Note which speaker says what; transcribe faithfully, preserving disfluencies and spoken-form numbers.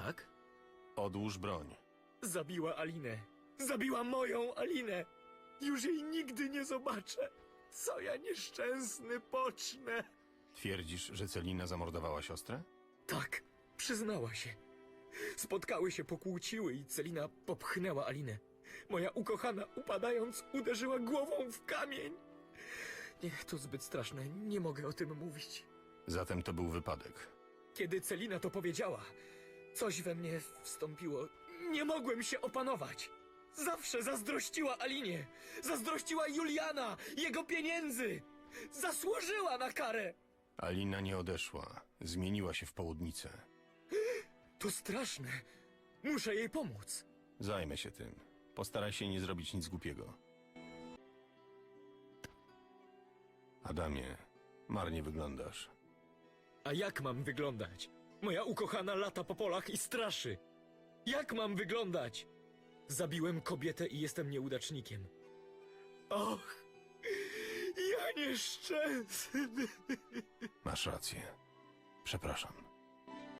Speaker 1: Tak?
Speaker 2: Odłóż broń.
Speaker 3: Zabiła Alinę. Zabiła moją Alinę. Już jej nigdy nie zobaczę. Co ja nieszczęsny pocznę.
Speaker 2: Twierdzisz, że Celina zamordowała siostrę?
Speaker 3: Tak, przyznała się. Spotkały się, pokłóciły i Celina popchnęła Alinę. Moja ukochana, upadając, uderzyła głową w kamień. Nie, to zbyt straszne, nie mogę o tym mówić.
Speaker 2: Zatem to był wypadek.
Speaker 3: Kiedy Celina to powiedziała, coś we mnie wstąpiło. Nie mogłem się opanować. Zawsze zazdrościła Alinie. Zazdrościła Juliana, jego pieniędzy. Zasłużyła na karę.
Speaker 2: Alina nie odeszła. Zmieniła się w południcę.
Speaker 3: To straszne. Muszę jej pomóc.
Speaker 2: Zajmę się tym. Postaraj się nie zrobić nic głupiego. Adamie, marnie wyglądasz.
Speaker 3: A jak mam wyglądać? Moja ukochana lata po polach i straszy. Jak mam wyglądać? Zabiłem kobietę i jestem nieudacznikiem. Och, ja nieszczęsny.
Speaker 2: Masz rację. Przepraszam.